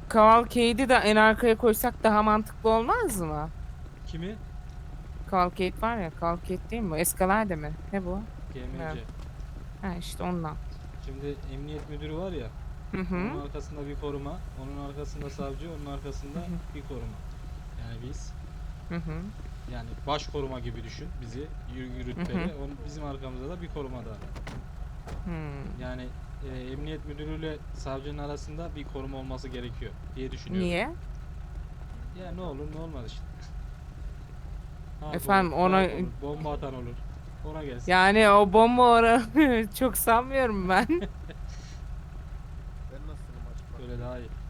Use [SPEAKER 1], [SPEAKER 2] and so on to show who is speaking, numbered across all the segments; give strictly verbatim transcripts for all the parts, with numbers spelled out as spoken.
[SPEAKER 1] Cavalcade'i de en arkaya koysak daha mantıklı olmaz mı?
[SPEAKER 2] Kimi?
[SPEAKER 1] Cavalcade var ya, Cavalcade değil mi bu? Escalade mi? Ne bu? Bilmiyorum.
[SPEAKER 2] G M C.
[SPEAKER 1] Ha işte ondan.
[SPEAKER 2] Şimdi emniyet müdürü var ya.
[SPEAKER 1] Hı hı.
[SPEAKER 2] Onun arkasında bir koruma, onun arkasında savcı, onun arkasında
[SPEAKER 1] Hı hı.
[SPEAKER 2] bir koruma. Yani biz,
[SPEAKER 1] Hı hı.
[SPEAKER 2] yani baş koruma gibi düşün bizi, yürü-
[SPEAKER 1] Hı hı.
[SPEAKER 2] rütbeli. Onun, bizim arkamızda da bir koruma daha.
[SPEAKER 1] Hmm.
[SPEAKER 2] Yani e, emniyet müdürüyle savcının arasında bir koruma olması gerekiyor diye düşünüyorum.
[SPEAKER 1] Niye?
[SPEAKER 2] Ya ne olur ne olmaz işte. Harp
[SPEAKER 1] Efendim
[SPEAKER 2] olur,
[SPEAKER 1] ona
[SPEAKER 2] darp olur, bomba atan olur. Ona gelsin.
[SPEAKER 1] yani o bomba oranı çok sanmıyorum ben.
[SPEAKER 3] Ben nasılım açık
[SPEAKER 2] Böyle daha iyi.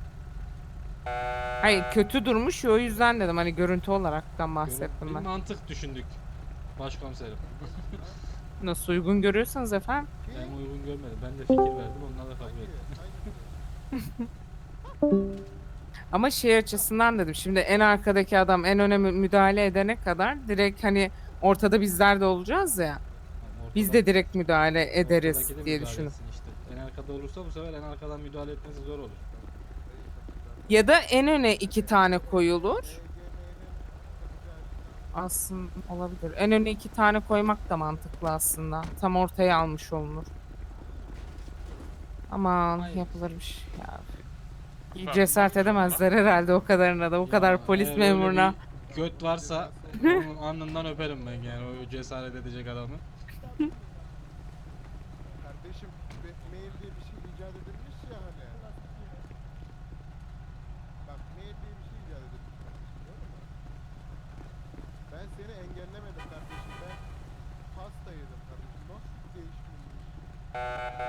[SPEAKER 1] Hayır kötü durmuş ya, o yüzden dedim hani görüntü olaraktan
[SPEAKER 2] Görün,
[SPEAKER 1] bahsettim
[SPEAKER 2] bir
[SPEAKER 1] ben.
[SPEAKER 2] mantık düşündük. Başkomiserim.
[SPEAKER 1] Nasıl uygun görüyorsanız efendim.
[SPEAKER 2] Ben uygun görmedim. Ben de fikir verdim. Onlar da kabul etti.
[SPEAKER 1] Ama şey açısından dedim, şimdi en arkadaki adam en öne mü- müdahale edene kadar direkt hani ortada bizler de olacağız ya.
[SPEAKER 2] Ama
[SPEAKER 1] Biz
[SPEAKER 2] ortada,
[SPEAKER 1] de direkt müdahale ederiz
[SPEAKER 2] ortadaki de
[SPEAKER 1] diye
[SPEAKER 2] müdahale
[SPEAKER 1] düşündüm.
[SPEAKER 2] etsin işte. En arkada olursa bu sefer en arkadan müdahale etmesi zor olur.
[SPEAKER 1] Ya da en öne iki tane koyulur. Aslında olabilir. En öne iki tane koymak da mantıklı aslında. Tam ortaya almış olunur. Aman
[SPEAKER 2] Hayır.
[SPEAKER 1] yapılır bir şey ya. Cesaret edemezler herhalde o kadarına da. O kadar
[SPEAKER 2] Ya
[SPEAKER 1] polis
[SPEAKER 2] eğer öyle
[SPEAKER 1] memuruna.
[SPEAKER 2] bir göt varsa onun alnından öperim ben yani o cesaret edecek adamı.
[SPEAKER 3] Kardeşim be- mail diye bir şey icat edilmiş ya hani. Bak mail diye bir şey icat edilmiş kardeşim, doğru mu? Ben seni engellemedim kardeşim. Ben pasta yedim kardeşim. Nasıl değişmiş?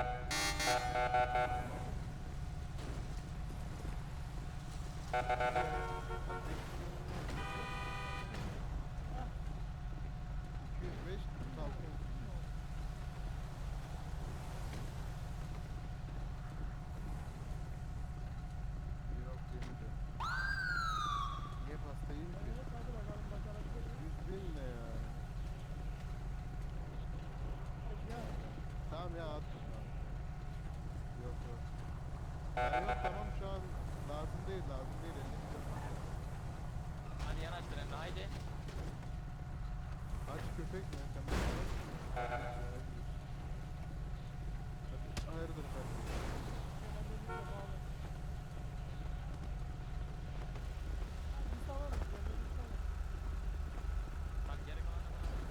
[SPEAKER 3] iki yüz beş kırk altı. Yok yemedi. Niye pasta yiyeyim ki? yüz bin ne ya? Tamam ya at. Tamam. Yok yok. Ya yok tamam şu an lazım değil lazım değil. elli milyon.
[SPEAKER 4] Hadi yanaş trenle haydi.
[SPEAKER 3] Aç köpek mi? Sen bana bak. Hayırdır kardeşim?
[SPEAKER 4] Bak geri kalan da bana.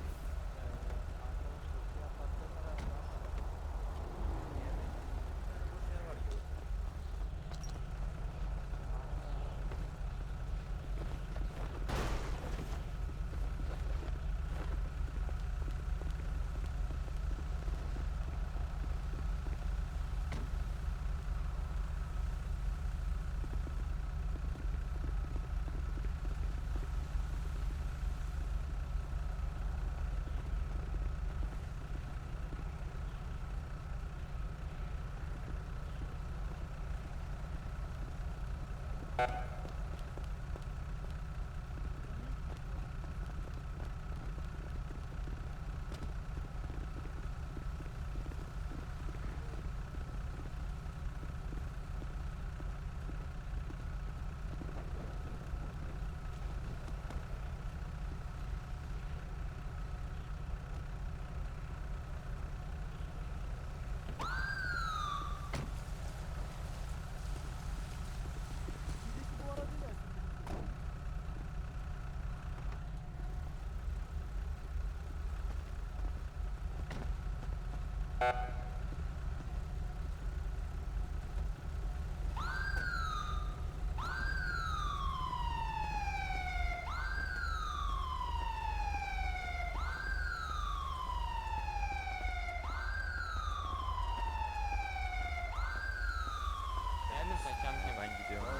[SPEAKER 4] Beğendin mi sen Kamil'i? Ben gidiyorum.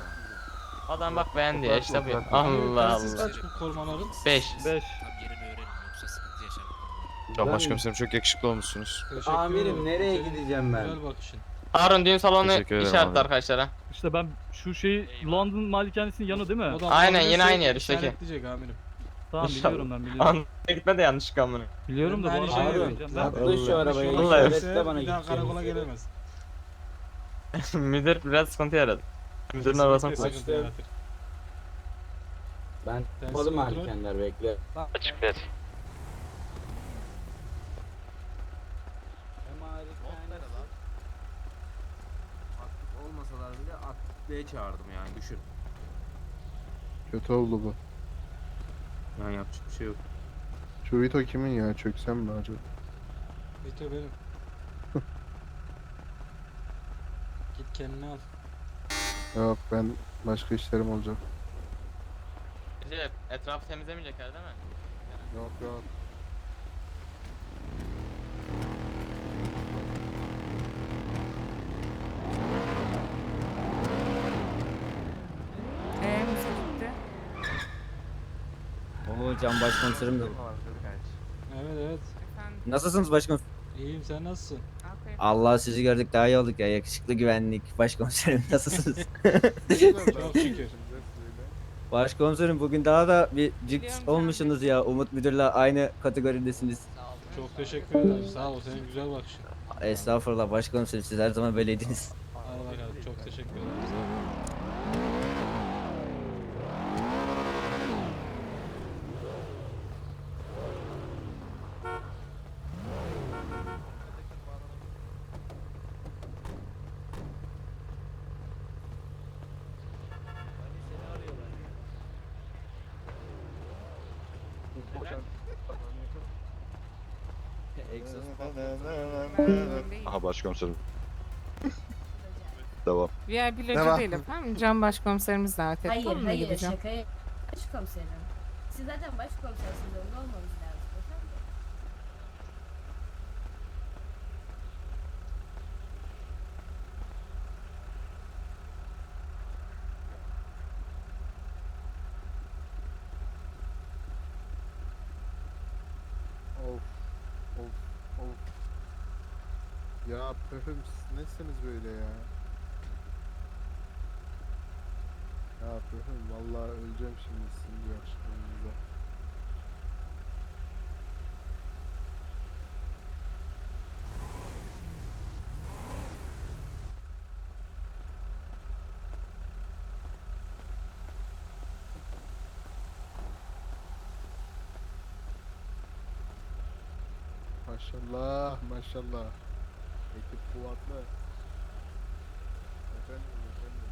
[SPEAKER 4] Adam bak beğendi ya işte bu. Allah
[SPEAKER 2] Telsiz
[SPEAKER 4] Allah.
[SPEAKER 2] kaç bu korumaların?
[SPEAKER 4] beş.
[SPEAKER 5] beş.
[SPEAKER 6] Tam yerini öğrenin yoksa sıkıntı yaşarım.
[SPEAKER 5] Ya
[SPEAKER 7] Ben-
[SPEAKER 5] başkomiserim çok yakışıklı olmuşsunuz.
[SPEAKER 2] Teşekkür
[SPEAKER 7] Amirim
[SPEAKER 2] ederim.
[SPEAKER 7] nereye
[SPEAKER 2] Senin
[SPEAKER 7] gideceğim ben?
[SPEAKER 2] Güzel bakışın.
[SPEAKER 4] Harun düğün salonu
[SPEAKER 5] Teşekkür ederim
[SPEAKER 4] işaretli
[SPEAKER 5] abi.
[SPEAKER 4] arkadaşlara.
[SPEAKER 5] İşte ben şu şey London malikanesinin yanı değil mi?
[SPEAKER 2] O da
[SPEAKER 4] Aynen,
[SPEAKER 2] bulabilirse
[SPEAKER 4] yine aynı yer, üstteki.
[SPEAKER 2] işaretleyecek amirim.
[SPEAKER 5] Tamam
[SPEAKER 4] İnşallah.
[SPEAKER 5] biliyorum ben biliyorum.
[SPEAKER 4] Anlamaya gitme de yanlış amına.
[SPEAKER 5] Biliyorum da bu
[SPEAKER 2] Ben de
[SPEAKER 5] arada
[SPEAKER 2] aynı
[SPEAKER 7] Harun,
[SPEAKER 2] şey
[SPEAKER 5] gideceğim.
[SPEAKER 2] yapıyorum.
[SPEAKER 5] Ben
[SPEAKER 7] atla şu arabaya.
[SPEAKER 2] Vallahi
[SPEAKER 7] işaretle bana
[SPEAKER 2] bir daha
[SPEAKER 7] gideceğim.
[SPEAKER 2] karakola gelemez.
[SPEAKER 4] Müdür biraz sıkıntı yaradı. Müdürün arasına
[SPEAKER 2] Kesinlikle
[SPEAKER 4] koy.
[SPEAKER 2] sıkıntı yaratır.
[SPEAKER 7] Ben
[SPEAKER 2] Telsiz
[SPEAKER 7] kapalı
[SPEAKER 2] kontrol.
[SPEAKER 7] malikanlar bekle.
[SPEAKER 4] Açık ver.
[SPEAKER 8] Aktif olmasalar bile aktifliğe çağırdım yani düşün.
[SPEAKER 3] Kötü oldu bu.
[SPEAKER 8] Yani yapacak bir şey yok.
[SPEAKER 3] Şu Vito kimin ya? Çöksem mi acaba?
[SPEAKER 2] Vito benim. Git kendini al.
[SPEAKER 3] Yok, ben başka işlerim olacak.
[SPEAKER 4] Recep etrafı temizlemeyecekler değil mi?
[SPEAKER 3] Yok yok.
[SPEAKER 1] Eee nasıl gitti?
[SPEAKER 7] Oo Can Başkomiserim de.
[SPEAKER 2] Evet evet.
[SPEAKER 1] Efendim.
[SPEAKER 7] Nasılsınız başkomiserim?
[SPEAKER 2] İyiyim, sen nasılsın?
[SPEAKER 1] Aferin.
[SPEAKER 7] Allah sizi gördük daha iyi olduk ya. Yakışıklı güvenlik. Başkomiserim nasılsınız?
[SPEAKER 2] Çok şükür.
[SPEAKER 7] Başkomiserim bugün daha da bir
[SPEAKER 1] Biliyorum
[SPEAKER 7] cix
[SPEAKER 1] Can
[SPEAKER 7] olmuşsunuz ya. Umut Müdür'le aynı kategoridesiniz.
[SPEAKER 2] Çok teşekkür ederim. Sağ ol, senin güzel bakışın.
[SPEAKER 7] Estağfurullah başkomiserim siz her zaman böyleydiniz.
[SPEAKER 2] Al bakalım, çok teşekkür ederim. Sağ ol.
[SPEAKER 9] Aha başkomiserim. Devam.
[SPEAKER 1] V I P loca
[SPEAKER 3] Devam.
[SPEAKER 1] değil efendim. Can başkomiserimiz davet etti.
[SPEAKER 10] Hayır
[SPEAKER 1] Onunla
[SPEAKER 10] hayır
[SPEAKER 1] gideceğim.
[SPEAKER 10] şaka başkomiserim. Siz zaten başkomisersiniz orada olmamız lazım efendim.
[SPEAKER 3] Of. Of. Of. Ya pöfüm siz nesiniz böyle ya? Ya pöfüm vallahi öleceğim şimdi sizin bu yakışıklılığınıza. Maşallah, maşallah. Ekip kuvvetli. Efendim, efendim.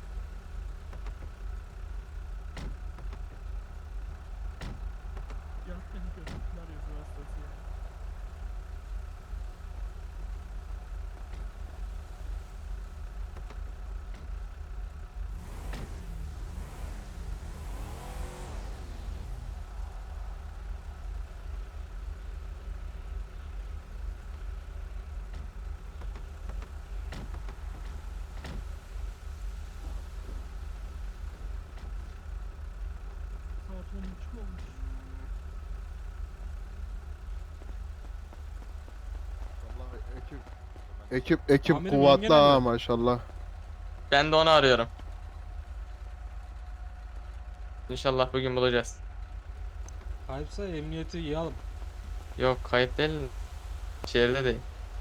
[SPEAKER 3] Vallahi ekip ekip ekip
[SPEAKER 2] Amirim,
[SPEAKER 3] kuvvetli
[SPEAKER 2] yenge nerede?
[SPEAKER 3] ha maşallah.
[SPEAKER 4] Ben de onu arıyorum. İnşallah bugün bulacağız.
[SPEAKER 2] Kayıpsa emniyeti yığalım.
[SPEAKER 4] Yok kayıp değil. Şehirde değil.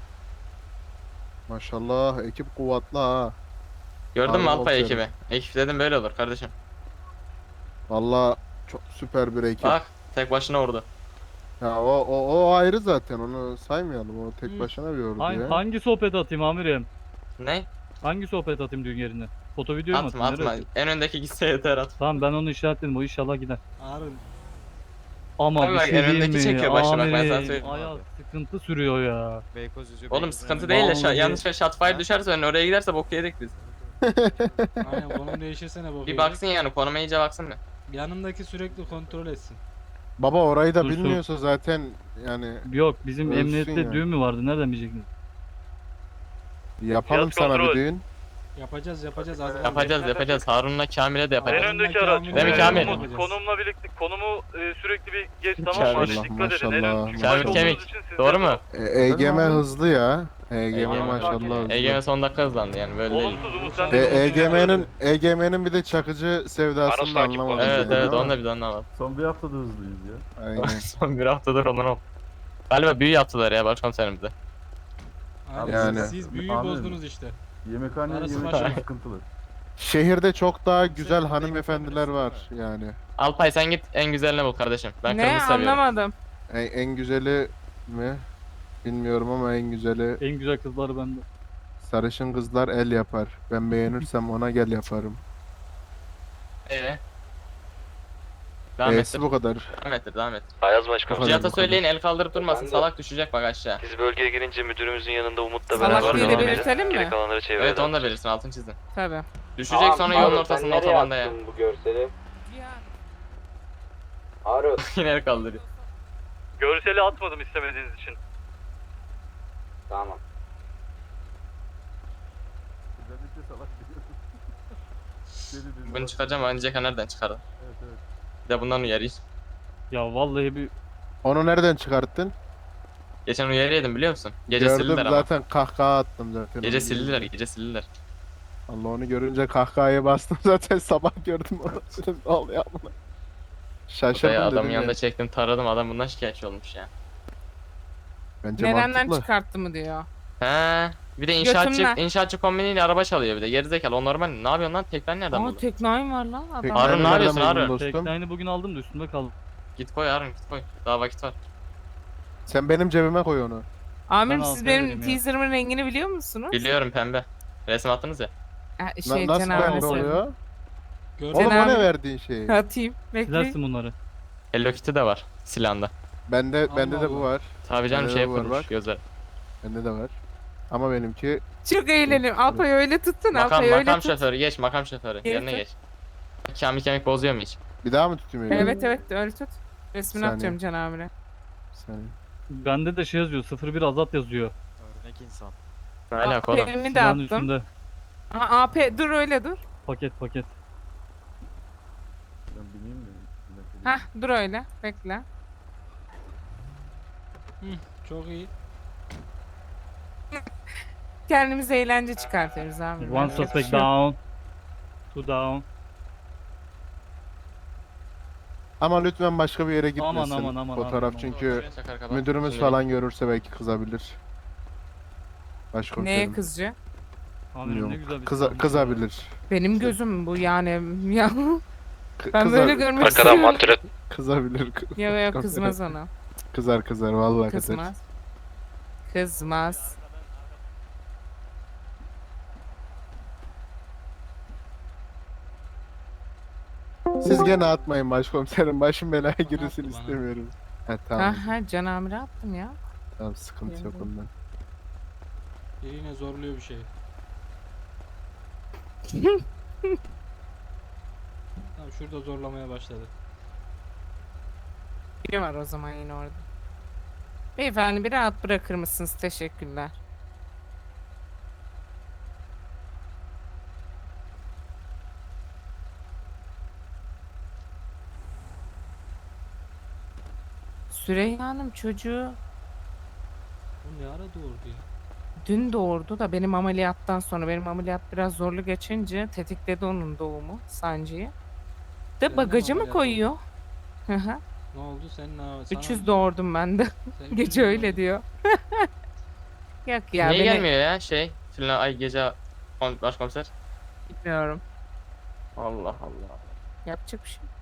[SPEAKER 3] Maşallah ekip kuvvetli ha.
[SPEAKER 4] Gördün mü
[SPEAKER 3] Harbi
[SPEAKER 4] Alpay
[SPEAKER 3] bakıyorum.
[SPEAKER 4] ekibi? Ekip dedim böyle olur kardeşim.
[SPEAKER 3] Vallahi çok süper bir ekip.
[SPEAKER 4] Bak tek başına orada.
[SPEAKER 3] Ya o o o ayrı zaten onu saymayalım. O tek
[SPEAKER 2] Hı.
[SPEAKER 3] başına bir ordu
[SPEAKER 5] Hangi,
[SPEAKER 3] ya.
[SPEAKER 5] hangi sohbet atayım amirim?
[SPEAKER 4] Ne?
[SPEAKER 5] Hangi sohbet atayım düğün yerine? Foto video mu
[SPEAKER 4] Atma
[SPEAKER 5] atayım?
[SPEAKER 4] atma.
[SPEAKER 5] Nereye?
[SPEAKER 4] En öndeki gitse yeter at.
[SPEAKER 5] Tamam ben onu işaretledim o inşallah gider.
[SPEAKER 2] Harun,
[SPEAKER 5] Ama
[SPEAKER 4] Abi
[SPEAKER 5] bir
[SPEAKER 4] bak,
[SPEAKER 5] şey
[SPEAKER 4] en
[SPEAKER 5] diyeyim
[SPEAKER 4] öndeki
[SPEAKER 5] mi?
[SPEAKER 4] çekiyor başı, bak ben sana
[SPEAKER 5] Amirim,
[SPEAKER 4] söyleyeyim.
[SPEAKER 5] Ayaz sıkıntı sürüyor ya.
[SPEAKER 4] Oğlum sıkıntı değil de şa-
[SPEAKER 5] Vallahi-
[SPEAKER 4] yanlış ve shotfire düşerse önüne oraya giderse bok yedik biz.
[SPEAKER 2] aynen konum değişirsene bakayım.
[SPEAKER 4] Bir baksın yani konuma iyice baksın bir.
[SPEAKER 2] Yanındaki sürekli kontrol etsin.
[SPEAKER 3] Baba orayı da
[SPEAKER 5] Dur, dur.
[SPEAKER 3] bilmiyorsa zaten yani
[SPEAKER 5] Yok bizim
[SPEAKER 3] Ölsün
[SPEAKER 5] emniyette
[SPEAKER 3] yani.
[SPEAKER 5] düğün mü vardı nereden bilecektiniz?
[SPEAKER 3] yapalım
[SPEAKER 5] Fiyat
[SPEAKER 3] sana
[SPEAKER 5] kontrol.
[SPEAKER 3] bir düğün.
[SPEAKER 2] Yapacağız yapacağız. Az
[SPEAKER 4] Yapacağız yapacağız. Harun'la Kamil'e de yapacağız.
[SPEAKER 2] En öndeki araç.
[SPEAKER 4] Değil mi Kamil?
[SPEAKER 5] konumla birlikte konumu e, sürekli bir geç
[SPEAKER 4] tamam mı?
[SPEAKER 3] Maşallah maşallah.
[SPEAKER 4] Kamil kemik. Doğru mu?
[SPEAKER 3] E, E G M hızlı ya. E G M
[SPEAKER 4] E G M
[SPEAKER 3] maşallah hızlı.
[SPEAKER 4] E G M son dakika hızlandı yani böyle değil.
[SPEAKER 3] E, EGM'nin E G M'nin bir de çakıcı sevdasını da anlamadım.
[SPEAKER 4] Evet
[SPEAKER 3] yani
[SPEAKER 4] evet
[SPEAKER 3] ama.
[SPEAKER 4] onu da bir de ondan var.
[SPEAKER 5] Son bir haftada hızlıyız ya.
[SPEAKER 3] Aynen.
[SPEAKER 4] Son bir haftadır ondan ol. Galiba büyü yaptılar ya başkomiserimizde.
[SPEAKER 2] Aynen,
[SPEAKER 3] Yani.
[SPEAKER 2] siz, siz büyüyü
[SPEAKER 5] Amirim.
[SPEAKER 2] bozdunuz işte.
[SPEAKER 5] Yemekhane
[SPEAKER 2] Arası yemek başı.
[SPEAKER 5] sıkıntılı.
[SPEAKER 3] Şehirde çok daha güzel hanımefendiler var yani.
[SPEAKER 4] Alpay sen git en güzelini bul kardeşim. Ben
[SPEAKER 1] Ne
[SPEAKER 4] kırmızı seviyorum.
[SPEAKER 1] anlamadım.
[SPEAKER 3] En, en güzeli mi? Bilmiyorum ama en güzeli
[SPEAKER 5] En güzel kızlar bende.
[SPEAKER 3] sarışın kızlar el yapar. Ben beğenirsem ona gel yaparım.
[SPEAKER 4] Ee? Devam
[SPEAKER 3] E'si
[SPEAKER 4] ettir.
[SPEAKER 3] bu kadar.
[SPEAKER 4] Devam ettir. Devam ettir.
[SPEAKER 11] Ayaz
[SPEAKER 3] Bu
[SPEAKER 11] Başkanım.
[SPEAKER 3] kadar,
[SPEAKER 4] Cihat'a
[SPEAKER 3] bu kadar.
[SPEAKER 4] söyleyin el kaldırıp durmasın. Salak düşecek bak aşağı.
[SPEAKER 11] Biz bölgeye girince müdürümüzün yanında Umut'la
[SPEAKER 1] Salak
[SPEAKER 11] beraber
[SPEAKER 4] diye de
[SPEAKER 11] devam
[SPEAKER 1] belirtelim
[SPEAKER 11] edelim.
[SPEAKER 1] mi?
[SPEAKER 11] Geri kalanları çevreden.
[SPEAKER 4] Evet onu da belirsin altın çizin.
[SPEAKER 1] Tabii.
[SPEAKER 4] Düşecek sonra yolun ortasında otobanda ya.
[SPEAKER 8] bu görseli?
[SPEAKER 1] Ya.
[SPEAKER 8] Harun.
[SPEAKER 4] Yine el kaldırıyor.
[SPEAKER 5] Görseli atmadım istemediğiniz için.
[SPEAKER 8] Tamam.
[SPEAKER 4] Bunu çıkaracağım önce nereden çıkardım? Bir de bundan uyarayım.
[SPEAKER 5] Ya vallahi bir
[SPEAKER 3] Onu nereden çıkarttın?
[SPEAKER 4] Geçen uyarı yedim biliyor musun? Gece
[SPEAKER 3] Gördüm
[SPEAKER 4] sildiler ama.
[SPEAKER 3] zaten kahkaha attım zaten.
[SPEAKER 4] Gece
[SPEAKER 3] onu.
[SPEAKER 4] sildiler, gece sildiler.
[SPEAKER 3] Allah onu görünce kahkahaya bastım zaten sabah gördüm onu. Dedim, ne oluyor amına? Şaşırdım
[SPEAKER 4] Odaya adamın
[SPEAKER 3] dedim
[SPEAKER 4] yanında
[SPEAKER 3] ya.
[SPEAKER 4] çektim taradım adam bundan şikayetçi olmuş ya.
[SPEAKER 3] Bence
[SPEAKER 1] Nereden
[SPEAKER 3] mantıklı.
[SPEAKER 1] çıkarttı mı diyor.
[SPEAKER 4] He. Bir de inşaatçı,
[SPEAKER 1] Götümle.
[SPEAKER 4] inşaatçı kombiniyle araba çalıyor bir de. Gerizekalı o normal. Ne yapıyorsun lan? Tekrar nereden
[SPEAKER 1] Aa
[SPEAKER 4] buldun?
[SPEAKER 1] teknayım var lan adam.
[SPEAKER 3] Peki,
[SPEAKER 4] Harun,
[SPEAKER 3] sen
[SPEAKER 4] ne
[SPEAKER 3] nereden
[SPEAKER 4] yapıyorsun
[SPEAKER 3] buldun
[SPEAKER 4] Harun?
[SPEAKER 3] dostum?
[SPEAKER 5] teknayını bugün aldım da üstümde kaldı.
[SPEAKER 4] Git koy Harun git koy. Daha vakit var.
[SPEAKER 3] Sen benim cebime koy onu.
[SPEAKER 1] Amirim
[SPEAKER 5] Ben
[SPEAKER 1] siz
[SPEAKER 5] altına
[SPEAKER 1] benim
[SPEAKER 5] vereyim ya.
[SPEAKER 1] teaser'ımın rengini biliyor musunuz?
[SPEAKER 4] Biliyorum pembe. Resim attınız ya.
[SPEAKER 1] Ha,
[SPEAKER 3] Na-
[SPEAKER 1] şey
[SPEAKER 3] nasıl
[SPEAKER 1] Cenab-ı
[SPEAKER 3] pembe
[SPEAKER 1] Hak.
[SPEAKER 3] oluyor?
[SPEAKER 2] Gördün
[SPEAKER 3] Oğlum
[SPEAKER 2] mü?
[SPEAKER 3] o
[SPEAKER 1] Cenab-ı-
[SPEAKER 3] ne verdiğin şey?
[SPEAKER 1] Atayım. Bekle.
[SPEAKER 5] Silersin bunları.
[SPEAKER 4] Hello Kitty de var silahında.
[SPEAKER 3] Bende bende de
[SPEAKER 2] Allah
[SPEAKER 3] bu
[SPEAKER 2] Allah.
[SPEAKER 3] var.
[SPEAKER 4] Tabii canım
[SPEAKER 3] Bende
[SPEAKER 4] şey
[SPEAKER 3] de var,
[SPEAKER 4] yapılmış
[SPEAKER 3] bak.
[SPEAKER 4] gözler.
[SPEAKER 3] Bende de var. Ama benimki
[SPEAKER 1] Çok eğlenelim. Alpay öyle tutsun.
[SPEAKER 4] Makam,
[SPEAKER 1] Alpay öyle
[SPEAKER 4] makam
[SPEAKER 1] tut.
[SPEAKER 4] şoförü geç makam şoförü.
[SPEAKER 1] Geri
[SPEAKER 4] Yerine
[SPEAKER 1] tut.
[SPEAKER 4] geç. Kemik kemik bozuyor mu hiç?
[SPEAKER 3] bir daha mı tutayım elini?
[SPEAKER 1] Evet evet öyle tut. Resmini
[SPEAKER 3] Saniye.
[SPEAKER 1] atacağım Can amire.
[SPEAKER 3] Bir saniye.
[SPEAKER 5] Bende de şey yazıyor sıfır bir azat yazıyor.
[SPEAKER 6] Örnek insan.
[SPEAKER 4] Ne alaka oğlum?
[SPEAKER 1] A P'mi de
[SPEAKER 5] Silahın
[SPEAKER 1] attım.
[SPEAKER 5] üstünde.
[SPEAKER 1] Aa, A P dur öyle dur.
[SPEAKER 5] Paket paket.
[SPEAKER 1] Hah dur öyle. Bekle.
[SPEAKER 2] Çok iyi.
[SPEAKER 1] Kendimize eğlence çıkartıyoruz abi.
[SPEAKER 5] One
[SPEAKER 1] Merak etme.
[SPEAKER 5] suspect down. Two down.
[SPEAKER 3] Ama lütfen başka bir yere
[SPEAKER 5] Aman,
[SPEAKER 3] gitmesin.
[SPEAKER 5] aman, aman,
[SPEAKER 3] Fotoğraf
[SPEAKER 5] aman.
[SPEAKER 3] çünkü
[SPEAKER 4] Çakar kapat.
[SPEAKER 3] müdürümüz
[SPEAKER 4] Şimdi-
[SPEAKER 3] falan görürse belki kızabilir. Başkomiserim.
[SPEAKER 1] Neye kızcı?
[SPEAKER 5] Amirim ne
[SPEAKER 3] Bilmiyorum.
[SPEAKER 5] güzel bir
[SPEAKER 3] Kıza,
[SPEAKER 5] silahmış
[SPEAKER 3] kızabilir.
[SPEAKER 1] Benim gözüm bu yani. Ya
[SPEAKER 3] K-
[SPEAKER 1] ben
[SPEAKER 3] kıza-
[SPEAKER 1] böyle görmek
[SPEAKER 11] Arkadan
[SPEAKER 1] istiyorum.
[SPEAKER 11] mantret.
[SPEAKER 3] Kızabilir.
[SPEAKER 1] Ya ya kızmaz ona.
[SPEAKER 3] Kızar kızar vallahi kızar.
[SPEAKER 1] Kızmaz. Kızmaz.
[SPEAKER 3] Siz gene atmayın başkomiserim. Başım belaya girsin
[SPEAKER 2] attı bana.
[SPEAKER 3] istemiyorum. He tamam.
[SPEAKER 1] Aha Can amire attım ya.
[SPEAKER 3] Tamam sıkıntı yok
[SPEAKER 1] Geldim.
[SPEAKER 3] ondan.
[SPEAKER 2] Biri yine zorluyor bir şey. Tamam şurada zorlamaya başladı.
[SPEAKER 1] Biri var o zaman yine orada. Beyefendi bir rahat bırakır mısınız? Teşekkürler. Süreyya Hanım çocuğu
[SPEAKER 2] Bu ne ara doğurdu ya?
[SPEAKER 1] dün doğurdu da benim ameliyattan sonra benim ameliyat biraz zorlu geçince tetikledi onun doğumu sancıyı.
[SPEAKER 2] Sen de
[SPEAKER 1] De
[SPEAKER 2] mi
[SPEAKER 1] bagajı mı
[SPEAKER 2] ameliyat
[SPEAKER 1] koyuyor? Hı hı.
[SPEAKER 2] Ne oldu senin ara- sana-
[SPEAKER 1] üç yüz doğurdum ben de.
[SPEAKER 2] sen üç
[SPEAKER 1] Gece
[SPEAKER 2] yüz
[SPEAKER 1] öyle
[SPEAKER 2] doğurdun.
[SPEAKER 1] diyor. Yok ya
[SPEAKER 4] Niye
[SPEAKER 1] beni
[SPEAKER 4] gelmiyor ya şey? Filan ay gece kon- başkomiser.
[SPEAKER 1] bilmiyorum.
[SPEAKER 4] Allah Allah.
[SPEAKER 1] Yapacak bir şey. yok.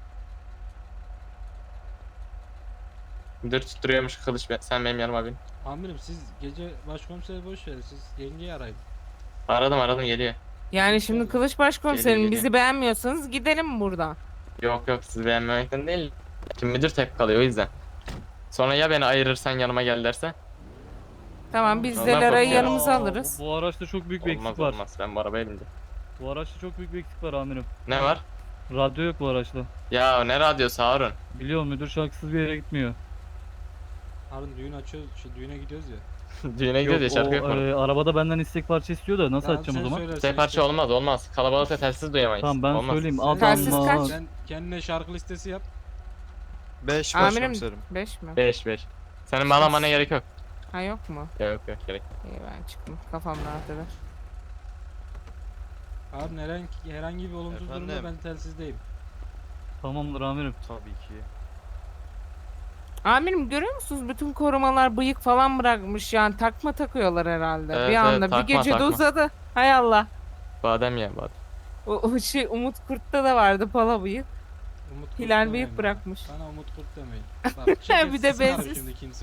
[SPEAKER 4] Müdür tutturuyormuş kılıç be- sen benim yanıma bin.
[SPEAKER 2] Amirim siz gece başkomiseri boş verin siz yengeyi arayın.
[SPEAKER 4] Aradım aradım geliyor.
[SPEAKER 1] Yani şimdi Kılıç Başkomiserim
[SPEAKER 4] Geliyor,
[SPEAKER 1] bizi beğenmiyorsanız gidelim buradan.
[SPEAKER 4] Yok yok sizi beğenmemekten değil. Şimdi müdür tek kalıyor o yüzden. Sonra ya beni ayırırsan yanıma gel derse?
[SPEAKER 1] Tamam biz
[SPEAKER 4] Ondan
[SPEAKER 1] de Lara'yı
[SPEAKER 4] korkuyorum.
[SPEAKER 1] yanımıza
[SPEAKER 5] Aa,
[SPEAKER 1] alırız.
[SPEAKER 5] Bu, bu araçta çok büyük bir
[SPEAKER 4] Olmaz
[SPEAKER 5] eksik var.
[SPEAKER 4] olmaz ben bu arabaya bindim.
[SPEAKER 5] Bu araçta çok büyük bir eksik var amirim.
[SPEAKER 4] Ne var?
[SPEAKER 5] Radyo yok bu araçta.
[SPEAKER 4] Ya ne radyosu Harun?
[SPEAKER 5] Biliyorum müdür şarkısız bir yere gitmiyor.
[SPEAKER 2] Harun düğün açıyoruz, şey, düğüne gidiyoruz ya.
[SPEAKER 4] Düğüne gidiyoruz ya
[SPEAKER 5] Yok,
[SPEAKER 4] şarkı
[SPEAKER 5] o,
[SPEAKER 4] yok mu?
[SPEAKER 5] e, arabada benden istek parça istiyor da nasıl
[SPEAKER 2] Tamam,
[SPEAKER 5] açacağım o
[SPEAKER 2] sen
[SPEAKER 5] zaman?
[SPEAKER 2] söylersen
[SPEAKER 4] Tek parça
[SPEAKER 2] işte.
[SPEAKER 4] olmaz olmaz. Kalabalıkta telsiz duyamayız.
[SPEAKER 5] Tamam ben
[SPEAKER 4] olmaz.
[SPEAKER 5] söyleyeyim.
[SPEAKER 1] Telsiz
[SPEAKER 5] Adamlar.
[SPEAKER 1] kaç?
[SPEAKER 2] Sen kendine şarkı listesi yap.
[SPEAKER 6] beş
[SPEAKER 1] Amirim
[SPEAKER 6] başkomiserim.
[SPEAKER 1] beş mi?
[SPEAKER 4] beş beş. Senin bağlamana gerek yok.
[SPEAKER 1] Ha yok mu?
[SPEAKER 4] Yok yok gerek.
[SPEAKER 1] İyi ben çıktım. Kafam rahat eder.
[SPEAKER 2] Harun herhangi, herhangi bir olumsuz durumda
[SPEAKER 6] Efendim?
[SPEAKER 2] ben telsizdeyim.
[SPEAKER 5] Tamamdır amirim.
[SPEAKER 6] Tabii ki.
[SPEAKER 1] Amirim görüyor musunuz? Bütün korumalar bıyık falan bırakmış yani takma takıyorlar herhalde.
[SPEAKER 4] Evet,
[SPEAKER 1] bir
[SPEAKER 4] evet,
[SPEAKER 1] anda bir
[SPEAKER 4] takma,
[SPEAKER 1] gecede
[SPEAKER 4] takma.
[SPEAKER 1] uzadı. Hay Allah.
[SPEAKER 4] Badem ya badem.
[SPEAKER 1] O, o şey Umut Kurt'ta da vardı pala bıyık.
[SPEAKER 2] Umut Kurt
[SPEAKER 1] Hilal
[SPEAKER 2] demeyin
[SPEAKER 1] bıyık
[SPEAKER 2] bana.
[SPEAKER 1] bırakmış.
[SPEAKER 2] Bana Umut Kurt demeyin. Bak çok
[SPEAKER 1] Bir de
[SPEAKER 2] istisnarım
[SPEAKER 1] bensiz.
[SPEAKER 2] şimdi kimse o.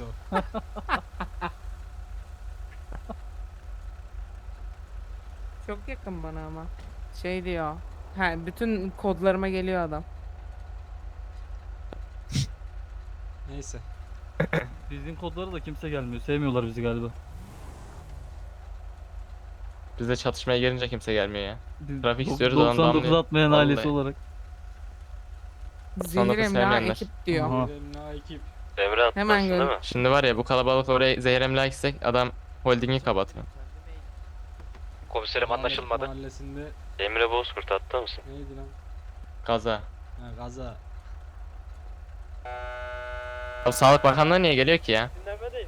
[SPEAKER 1] Çok yakın bana ama. Şey diyor. Ha, bütün kodlarıma geliyor adam.
[SPEAKER 2] Neyse.
[SPEAKER 5] Bizim kodlara da kimse gelmiyor. Sevmiyorlar bizi galiba.
[SPEAKER 4] Bizde çatışmaya gelince kimse gelmiyor ya.
[SPEAKER 5] Biz
[SPEAKER 4] Trafik
[SPEAKER 5] dok-
[SPEAKER 4] istiyoruz, adam
[SPEAKER 5] doksan dokuz
[SPEAKER 4] damlıyor.
[SPEAKER 5] atmayan
[SPEAKER 4] Vallahi.
[SPEAKER 5] ailesi olarak.
[SPEAKER 1] Zehir emlak
[SPEAKER 4] sevmeyenler.
[SPEAKER 1] ekip diyor.
[SPEAKER 5] Aha.
[SPEAKER 2] Benim ekip.
[SPEAKER 11] Devre atlarsın
[SPEAKER 1] Hemen
[SPEAKER 11] değil
[SPEAKER 1] gör-
[SPEAKER 11] mi?
[SPEAKER 4] Şimdi var ya bu kalabalık oraya zehir emlak istek adam holdingi kapatıyor.
[SPEAKER 11] Komiserim anlaşılmadı.
[SPEAKER 2] Mahallesinde
[SPEAKER 11] Emre Bozkurt hatta mısın?
[SPEAKER 2] neydi lan?
[SPEAKER 4] Gaza.
[SPEAKER 2] Ha, gaza.
[SPEAKER 4] Abi Sağlık Bakanlığı niye geliyor ki ya?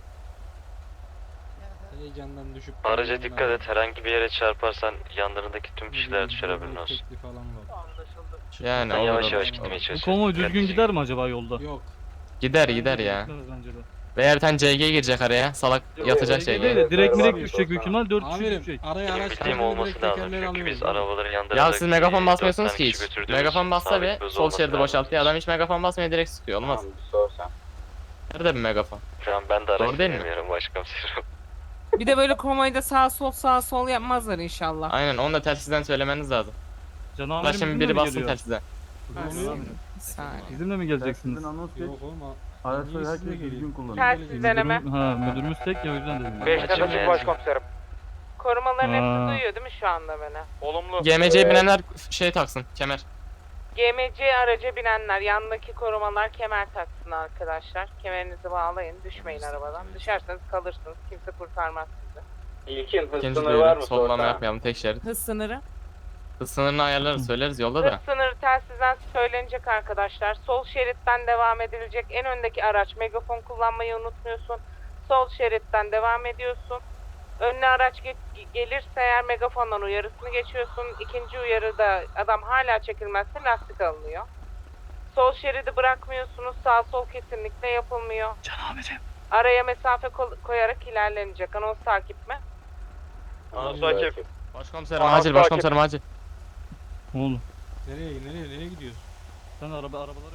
[SPEAKER 2] Heyecandan düşüp
[SPEAKER 11] Araca dikkat et. Herhangi bir yere çarparsan yanlarındaki tüm kişiler düşer haberin olsun.
[SPEAKER 2] Tekli falan var.
[SPEAKER 4] Yani
[SPEAKER 11] Ben
[SPEAKER 4] olur,
[SPEAKER 11] yavaş
[SPEAKER 4] olur.
[SPEAKER 11] yavaş gitmeye
[SPEAKER 5] Bu
[SPEAKER 11] çalışıyorum.
[SPEAKER 5] konvoy düzgün
[SPEAKER 11] Dikkatli
[SPEAKER 5] gider mi acaba yolda?
[SPEAKER 2] Yok.
[SPEAKER 4] Gider gider ya.
[SPEAKER 5] Gitmez bence de.
[SPEAKER 4] Veya bir tane C G girecek araya. Salak yatacak
[SPEAKER 5] Değil
[SPEAKER 4] C G.
[SPEAKER 5] de direkt direkt düşecek büyük ihtimal dört kişi
[SPEAKER 2] Amirim
[SPEAKER 5] düşecek.
[SPEAKER 2] araya
[SPEAKER 11] Benim
[SPEAKER 2] araç
[SPEAKER 11] bildiğim
[SPEAKER 2] girdiğinde
[SPEAKER 11] olması
[SPEAKER 2] direkt
[SPEAKER 11] lazım
[SPEAKER 2] tekerleri
[SPEAKER 11] çünkü
[SPEAKER 2] alıyoruz
[SPEAKER 11] biz
[SPEAKER 2] değil mi?
[SPEAKER 11] arabaların yanlarında
[SPEAKER 4] Ya siz megafon basmıyorsunuz ki hiç. Megafon bassa bir sol şeridi boşaltıyor. Adam hiç megafon basmıyor, direkt sıkıyor. Olmaz. Nerede bir megafon?
[SPEAKER 11] Tamam ben de araç
[SPEAKER 4] Doğru değil mi?
[SPEAKER 11] bilmiyorum başkomiserim.
[SPEAKER 1] Bir de böyle konvoyda sağ sol sağ sol yapmazlar inşallah.
[SPEAKER 4] Aynen, onu da telsizden söylemeniz lazım.
[SPEAKER 5] Can
[SPEAKER 4] Ulan
[SPEAKER 5] amirim
[SPEAKER 4] şimdi
[SPEAKER 5] bizimle
[SPEAKER 4] biri
[SPEAKER 5] mi
[SPEAKER 4] bassın
[SPEAKER 5] geliyor?
[SPEAKER 4] telsizden.
[SPEAKER 2] Oluyor mu?
[SPEAKER 1] Bir saniye.
[SPEAKER 5] Bizimle mi geleceksiniz?
[SPEAKER 2] Yok oğlum.
[SPEAKER 6] Araçları
[SPEAKER 2] Niye sizle
[SPEAKER 6] herkes
[SPEAKER 2] geliyor?
[SPEAKER 6] düzgün kullanıyor.
[SPEAKER 1] Telsiz deneme.
[SPEAKER 5] Müdürüm, ha müdürümüz tek ya o yüzden dedim.
[SPEAKER 11] Beş
[SPEAKER 2] başkomiserim.
[SPEAKER 1] Korumaların
[SPEAKER 5] Aa.
[SPEAKER 1] hepsi duyuyor değil mi şu anda beni?
[SPEAKER 11] Olumlu.
[SPEAKER 4] G M C'ye binenler şey taksın, kemer.
[SPEAKER 1] G M C araca binenler yanındaki korumalar kemer taksın arkadaşlar. Kemerinizi bağlayın, düşmeyin arabadan. Düşerseniz kalırsınız, kimse kurtarmaz sizi.
[SPEAKER 11] İlkin hız
[SPEAKER 4] İkinci
[SPEAKER 11] sınırı var
[SPEAKER 4] duyuru,
[SPEAKER 11] mı?
[SPEAKER 4] sollama yapmayalım, tek şerit.
[SPEAKER 1] Hız sınırı.
[SPEAKER 4] Hız sınırını ayarlarız, söyleriz yolda da.
[SPEAKER 1] Hız sınırı telsizden söylenecek arkadaşlar. Sol şeritten devam edilecek. En öndeki araç megafon kullanmayı unutmuyorsun. Sol şeritten devam ediyorsun. Önüne araç ge- gelirse eğer megafondan uyarısını geçiyorsun. İkinci uyarıda adam hala çekilmezse lastik alınıyor. Sol şeridi bırakmıyorsunuz. Sağ sol kesinlikle yapılmıyor.
[SPEAKER 5] Can amirim.
[SPEAKER 1] Araya mesafe ko- koyarak ilerlenecek. Anons takip mi?
[SPEAKER 11] Anons takip.
[SPEAKER 4] Başkomiserim acil, başkomiserim acil.
[SPEAKER 5] Oğlum
[SPEAKER 2] Nereye nereye nereye gidiyorsun?
[SPEAKER 5] sen araba arabaları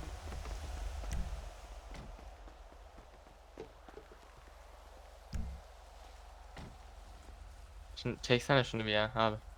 [SPEAKER 4] Şimdi çeksene şunu bir ya abi.